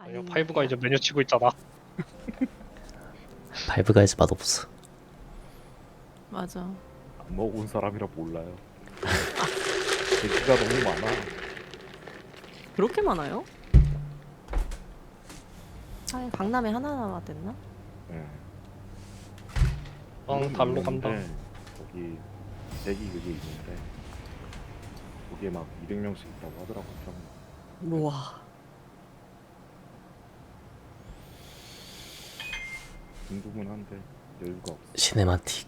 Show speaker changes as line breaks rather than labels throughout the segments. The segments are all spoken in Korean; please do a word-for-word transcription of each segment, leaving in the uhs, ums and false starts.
아니요, 파이브가 이제 메뉴 치고 있잖아.
파이브가이즈 맛없어.
맞아.
안 먹어본 사람이라 몰라요. 얘기가 너무 많아.
그렇게 많아요? 아, 강남에 하나 남았댔나?
예.
응, 달로 간다.
있는데 거기 대기 그게 있는데 거기에 막 이백 명씩 있다고 하더라고요. 평균.
우와.
궁금은한데 여유가 없어.
시네마틱.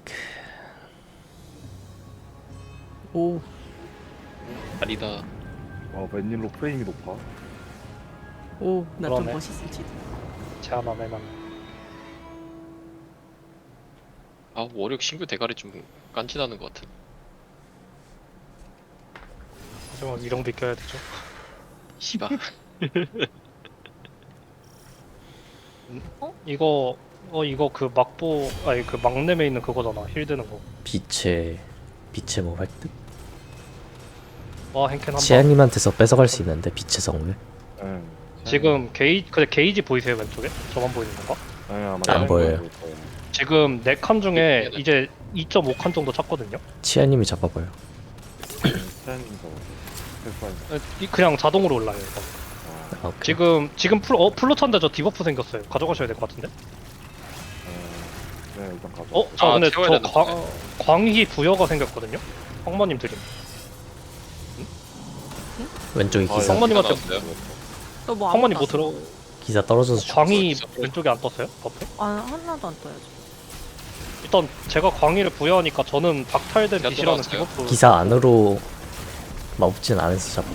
오.
아니다.
와 웬일로 프레임이 높아?
오. 나 좀
그러네.
멋있을지도.
제안 안 해놨네.
아 월요일 신규 대가리 좀 깐지나는 것 같은.
하지만 위령 비껴야 되죠.
씨바.
어? 이거 어 이거 그 막보 아니 그 막nem에 있는 그거잖아. 힐 드는 거.
빛의 빛의 뭐 획득?
와 행캔 한 방.
치아님한테서 뺏어갈 수 있는데 빛의 성을.
예.
지금 게이 근데 게이지 보이세요 왼쪽에? 저만 보이는 건가?
예, 아마
안
다른
보여요.
거일 거예요.
지금 네 칸 중에 이제 이 점 오 칸 정도 찼거든요.
치아님이 잡아봐요.
스탠딩 거 패스하는 거.
에, 이- 그냥 자동으로 올라요. 이거.
아,
아, 오케이.
지금 지금 풀 어 플로 찬데 저 디버프 생겼어요. 가져가셔야 될 것 같은데.
예. 네 일단 가져.
어? 저
아,
근데
채워야
저
되는데.
광, 광희 부여가 생겼거든요. 황마님 드림.
왼쪽에
아,
기사.
성모- 성모님한테-
나왔어요?
너뭐
황마님 뭐 들어?
기사 떨어져서 죽.
광희
있어.
왼쪽에 안 떴어요? 버프?
아, 하나도 안 떠야지.
일단 제가 광희를 부여하니까 저는 박탈된
기사
빛이라는
들어왔어요?
디버프.
기사 안으로 마법진 안에서 잡아.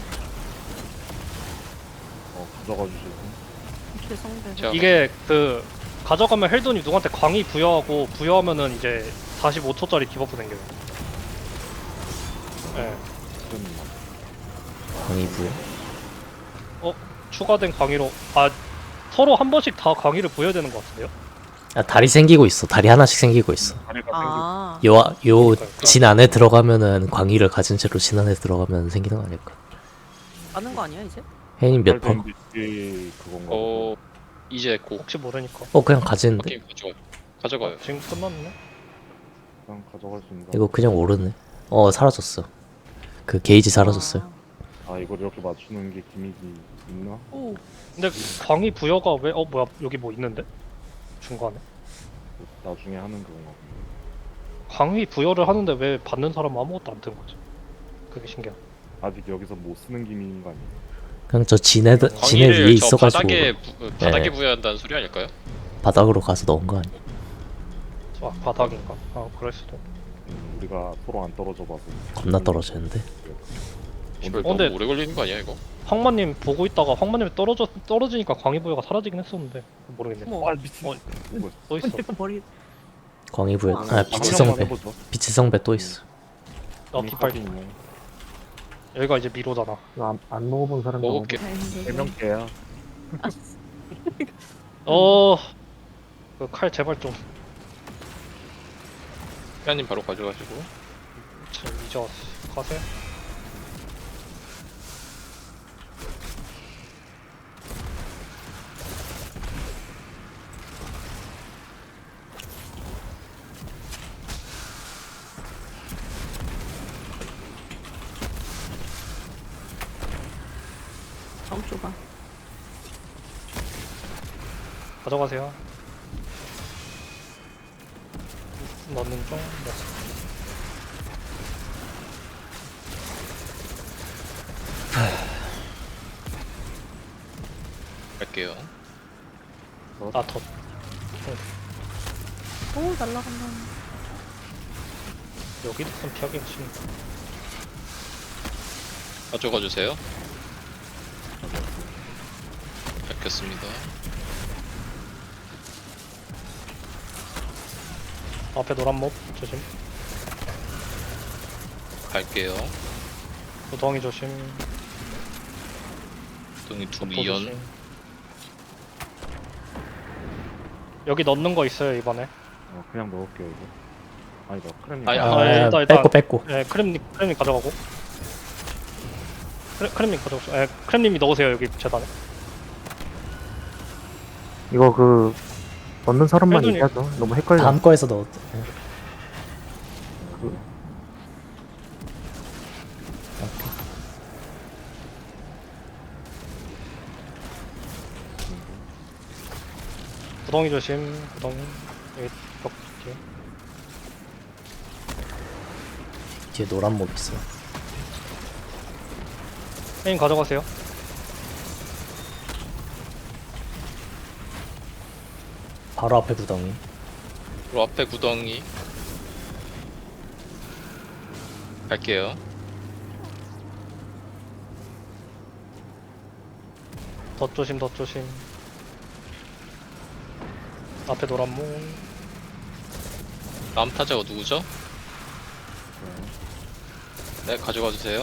어 가져가 주시고.
이렇게 성대.
제가
이게 그 가져가면 헬돈이 누구한테 광희 부여하고 부여하면은 이제 사십오 초짜리 디버프 생겨요. 예.
지금 막
광희 부여.
추가된 광희로 아 서로 한 번씩 다 광희를 부여야 되는 것 같은데요?
아 다리 생기고 있어. 다리 하나씩 생기고 있어.
다리가
아.
요 요
그러니까요.
진 안에 들어가면은 광희를 가진 채로 진 안에 들어가면 생기는 거 아닐까?
아는 거 아니야, 이제?
혜님 몇
생기고
퍼?
이게 그건가?
어 이제 고
혹시 모르니까.
어 그냥 가지는데.
게임 가져가요. 가져가요.
지금 끝났네.
그냥 가져갈 수 있는 거.
이거 그냥 오르네. 어 사라졌어. 그 게이지 사라졌어요.
아 이걸 이렇게 맞추는 게 기믹이 있나?
아. 오.
근데 광희 부여가 왜 어 뭐야 여기 뭐 있는데? 중간에
나중에 하는 그건가 본데.
광희 부여를 하는데 왜 받는 사람은 아무것도 안 뜬 거지? 그게 신기하다.
아직 여기서 못 쓰는 기믹인 거 아니에요?
그냥 저 진에 진에
광희를
위에
저
있어가지고
바닥에 부, 바닥에
네.
부여한다는 소리 아닐까요?
바닥으로 가서 넣은 거 아니야?
아 바닥인가? 아 그럴 수도.
음, 우리가 서로 안 떨어져 봐서.
겁나 떨어지는데.
이걸
어,
너무
근데-
오래 걸리는 거 아니야 이거?
황마님 보고 있다가 황마님이 떨어져 떨어지니까 광희 부여가 사라지긴 했었는데 모르겠네.
어머.
아 미친.
어.
뭐야?
또 있어.
내가 머리.
광희 부여. 아
한
빛의
한 명만
성배.
해보죠.
빛의 성배 또 있어.
어 깃발
있네.
여기가 이제 미로잖아.
안, 안 먹어본 사람
먹을게.
세명 개야.
어. 그 칼 제발 좀.
회원님 바로 가져가시고.
참 이제 왔어. 가세요.
정 좁아.
가져가세요. 넣는 중. 네.
갈게요.
아 더.
오, 날라간다.
여기도 좀 피하기 힘.
가져가 주세요. 밝혔습니다.
앞에 노란 몹 조심.
갈게요.
구덩이 조심.
동이 두
덮어
미연.
조심. 여기 넣는 거 있어요 이번에.
어, 그냥 넣을게요 이거. 아니다 크렘님.
아니,
아,
아,
일단, 일단.
뺏고 뺏고.
예, 크렘님 크렘님 가져가고. 크렘, 크렘님 가져가고. 예, 크렘님이 넣으세요 여기 재단에.
이거 그 넣는 사람만
헬돈이-
얘기하죠. 너무 헷갈려.
다음 거에서 넣었. 예.
그-
오케이.
구덩이 조심. 구덩이. 여기 벽 뒤에.
뒤에 노란 몹 있어.
페인 가져가세요.
바로 앞에 구덩이.
그리고 앞에 구덩이 갈게요.
더 조심, 더 조심. 앞에 노란 문.
다음 타자가 누구죠? 네, 가져가 주세요.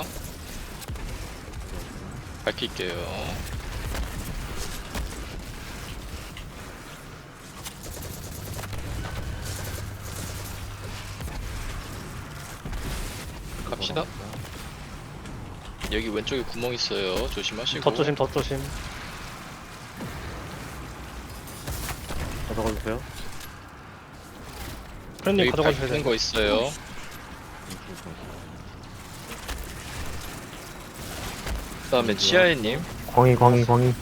밝힐게요. 갑시다. 여기 왼쪽에 구멍 있어요. 조심하시고.
더 조심, 더 조심.
가져가 주세요.
크랜님
여기
가져가 주셔야
밝히는
돼요.
거 있어요. 그다음에 치아이님.
광희 광희 광희.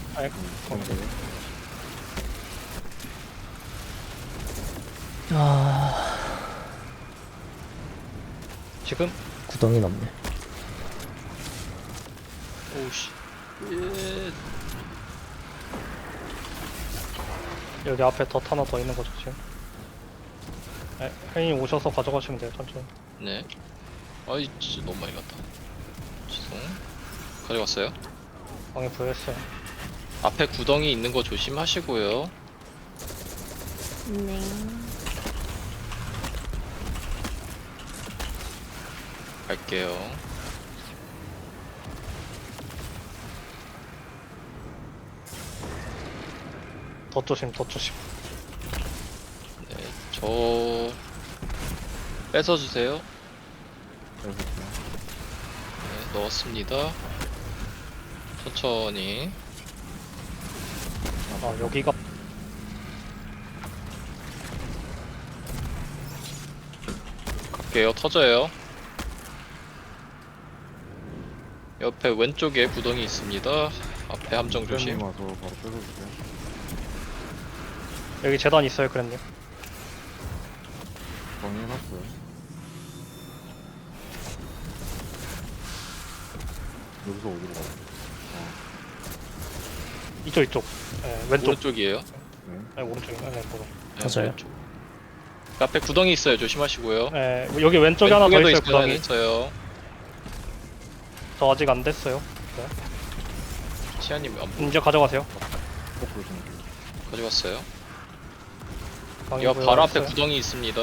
아
지금
구덩이 넘네.
오우씨. 예.
여기 앞에 덧 하나 더 있는 거 조심. 네, 혜인이 오셔서 가져가시면 돼요, 천천히.
네. 아이 진짜 너무 많이 갔다. 죄송. 가져갔어요.
방에 부여했어요.
앞에 구덩이 있는 거 조심하시고요.
네.
갈게요.
더 조심, 더 조심.
네, 저 뺏어 주세요. 네, 넣었습니다. 천천히.
아, 여기가
갈게요. 터져요. 옆에 왼쪽에 구덩이 있습니다. 앞에 함정 조심.
와서 바로 뺏어주세요.
여기 재단 있어요, 크랜님.
정리해놨어요. 여기서 어디로 가요?
이쪽, 이쪽. 네, 왼쪽.
오른쪽이에요.
네.
네, 오른쪽이. 네, 네, 보러.
네,
맞아요.
왼쪽. 그 앞에 구덩이 있어요. 조심하시고요.
네, 여기 왼쪽에 하나 더
왼쪽에도
있어요, 구덩이.
있어요.
저 아직 안 됐어요.
치아님 안
이제 가져가세요.
거꾸로 좀
가져갔어요.
방에
이 바로 앞에
부여했어요.
구덩이 있습니다.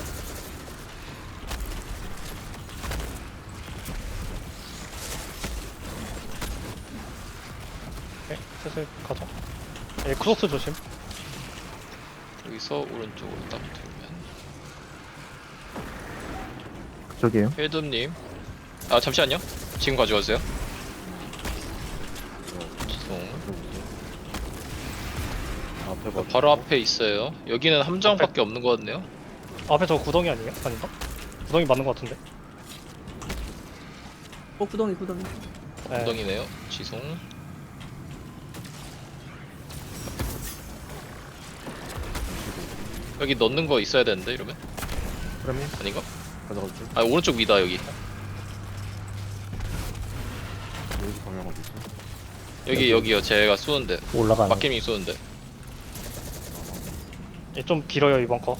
네, 슬슬 가자. 네, 크로스 조심.
여기서 오른쪽으로 딱 붙으면
그쪽이에요.
헬드님. 아 잠시만요. 지금 가져가세요. 죄송.
앞에 봐.
바로 앞에 있어요. 여기는 함정밖에 없는 것 같네요.
앞에 저 구덩이 아니에요? 아닌가? 구덩이 맞는 것 같은데.
어 구덩이 구덩이.
네.
구덩이네요. 지송. 여기 넣는 거 있어야 되는데 이러면
프레미
아닌가?
가져가 주세요.
아 오른쪽 위다 여기.
여기 방향 어디 있어?
여기 여기요. 제가 쏘는데
올라가는.
막힘이 쏘는데.
예, 좀 길어요 이번 거.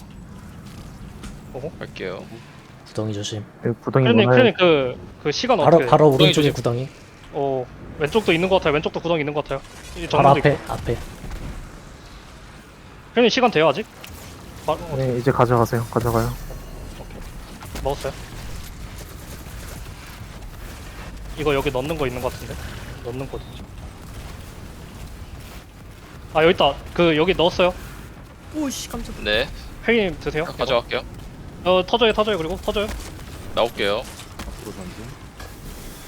갈게요.
구덩이 조심.
그 구덩이
크랜님,
문화에
크랜님 그, 그 시간
바로
어떻게?
바로
구덩이
오른쪽에
조심.
구덩이.
어 왼쪽도 있는 것 같아요. 왼쪽도 구덩이 있는 것 같아요. 이
바로
정면도
앞에
있고.
앞에.
크랜님 시간 돼요 아직? 바, 어,
네, 이제 가져가세요. 가져가요.
먹었어요. 이거 여기 넣는 거 있는 것 같은데. 넣는 거 있죠. 아 여기 있다. 그 여기 넣었어요.
오씨 깜짝.
네.
혜님 드세요. 이거.
가져갈게요.
어 터져요, 터져요. 그리고 터져요.
나올게요.
앞으로 전진.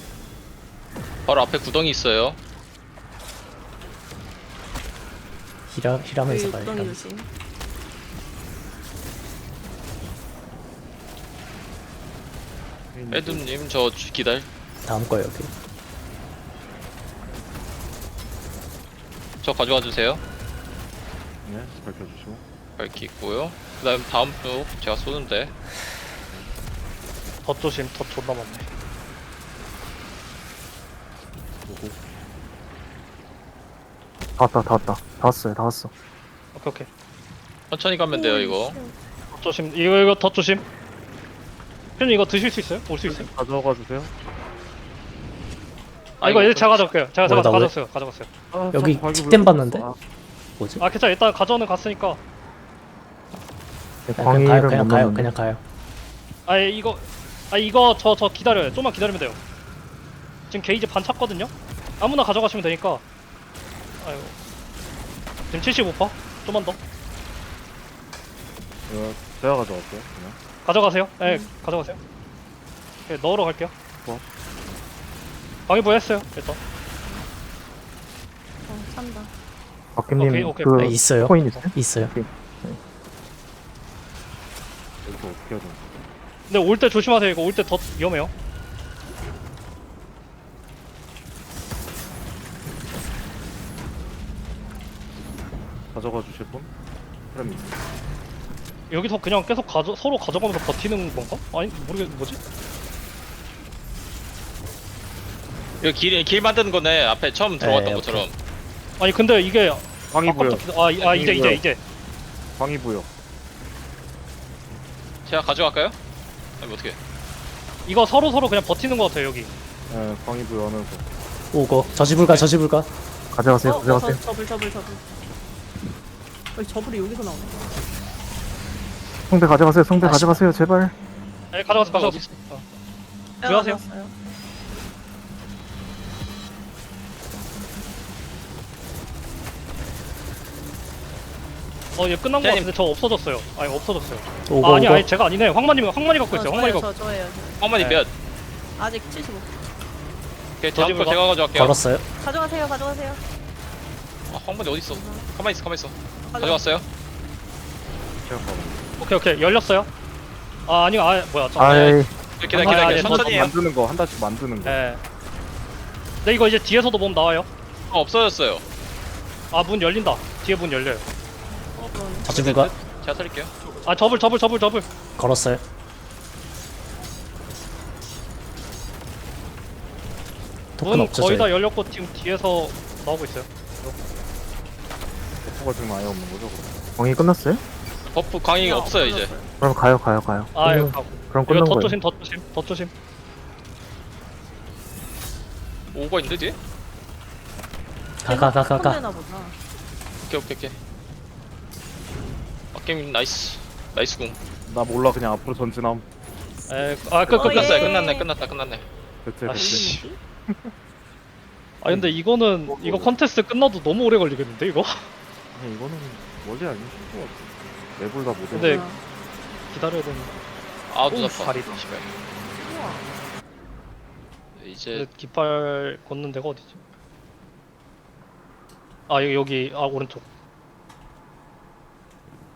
바로 앞에 구덩이 있어요.
힐하, 힐하면서
여기
가야
구덩이
일단.
조심.
에드님 저 주- 기다려.
다음 거예요 여기.
저 가져와 주세요.
네, 밝혀주시고.
밝히고요. 그다음 다음 쪽 제가 쏘는데
덧 조심. 덧 존나 많네.
오고.
다 왔다 다 왔다 다 왔어요 다 왔어.
오케이 오케이.
천천히 가면 돼요 이거.
덧 조심. 이거 이거 덧 조심. 님 이거 드실 수 있어요? 올 수 있어요?
가져가 주세요.
아 이거 이제 제가 가져올게요. 제가 제가
뭐야, 나 왜-
가져왔어요. 가져갔어요.
아,
여기
저 과기
틱댐
왜-
봤는데?
아,
뭐지?
아 괜찮아. 일단 가져오는 갔으니까.
네,
그냥, 그냥 가요
광희를
그냥
못
가요
넣는데.
그냥 가요.
아 이거 아 이거 저 저 기다려요. 좀만 기다리면 돼요. 지금 게이지 반 찼거든요. 아무나 가져가시면 되니까. 아이고. 지금 칠십오 퍼센트. 좀만 더.
이거 제가 가져갈게요. 그냥.
가져가세요. 네, 가져가세요. 네, 넣으러 갈게요.
뭐?
방위부 했어요. 일단.
어, 찬다.
박김님
오케이, 오케이.
그
아, 있어요.
코인 있어요?
있어요.
오케이.
여기서 어떻게 해야 되나?
근데 올 때 조심하세요. 이거 올 때 더 위험해요.
가져가 주실 분? 그럼
여기서 그냥 계속 가져 서로 가져가면서 버티는 건가? 아니 모르겠 뭐지?
이거 길, 길 만드는 거네. 앞에 처음 들어갔던
네,
것처럼.
아니 근데 이게
광희부여.
아까부터 기다- 아, 이- 아 이제 이제 이제
광희부여.
제가 가져갈까요? 아니 어떻게?
이거 서로 서로 그냥 버티는 것 같아요 여기.
네, 광희부여 하면서.
오고 저지불가 저지불가.
가져가세요
어,
가져가세요.
어, 저불 저불 저불. 어, 저불이 여기서 나오네.
성대 가져가세요 성대
아,
가져가세요 제발.
네 가져가서 가져가서.
어디
어.
빼앗아
하세요?
왔어요.
어얘 끝난 것
기자님.
같은데 저 없어졌어요. 아니 없어졌어요.
오고
아 아니
오고.
아니 제가 아니네. 황마님 황마님 갖고 있어요.
어,
황마님
저예요,
갖고.
저 저예요.
황만이
네.
몇?
아직 칠십오.
오케이 다음 거
저지불가.
제가 가져갈게요.
걸었어요.
가져가세요, 가져가세요.
아, 황만이 어디 있어? 가만 있어, 가만 있어.
가져가-
가져왔어요?
제가 가봐.
오케이 오케이 열렸어요. 아 아니 아 뭐야 저.
아이
기다려,
아,
기다려.
아니,
천천히 해요.
만드는 거 한 달씩 만드는 거.
네. 근데 이거 이제 뒤에서도 몸 나와요.
어, 없어졌어요.
아 문 열린다. 뒤에 문 열려요.
어, 그럼.
저지불가.
제가 살릴게요.
아 접을 접을 접을 접을.
걸었어요. 토큰
문
없죠
거의 다
저희.
열렸고 지금 뒤에서 나오고 있어요.
버프가 지금 아예 없는 거죠, 그럼?
광희 끝났어요?
버프 광이
어,
없어요, 이제.
끝났어요.
그럼 가요 가요 가요.
아
끝난-
이거 가고.
그럼
이거
끝난
덧
거예요.
조심 덧 조심 덧 조심.
오가 있는데, 뒤에?
가 가 가 가 가.
혼내나 보다.
오케이, 오케이, 오케이. 아, 게임 나이스. 나이스 궁.
나 몰라, 그냥 앞으로 전진함.
에아끝끝
어,
끝났어요.
예.
끝났네, 끝났다, 끝났네.
대체
아,
대체.
씨. 아 근데 이거는 이거 컨테스트 끝나도 너무 오래 걸리겠는데 이거?
아니, 이거는 원래 아니신 것 같아. 맵을 다 못.
근데-
해서.
뭐야.
기다려야 되는.
아, 눈
오,
아파.
다리다.
씨발.
우와.
이제,
근데 깃발 걷는 데가 어디지? 아 여기 여기 아 오른쪽.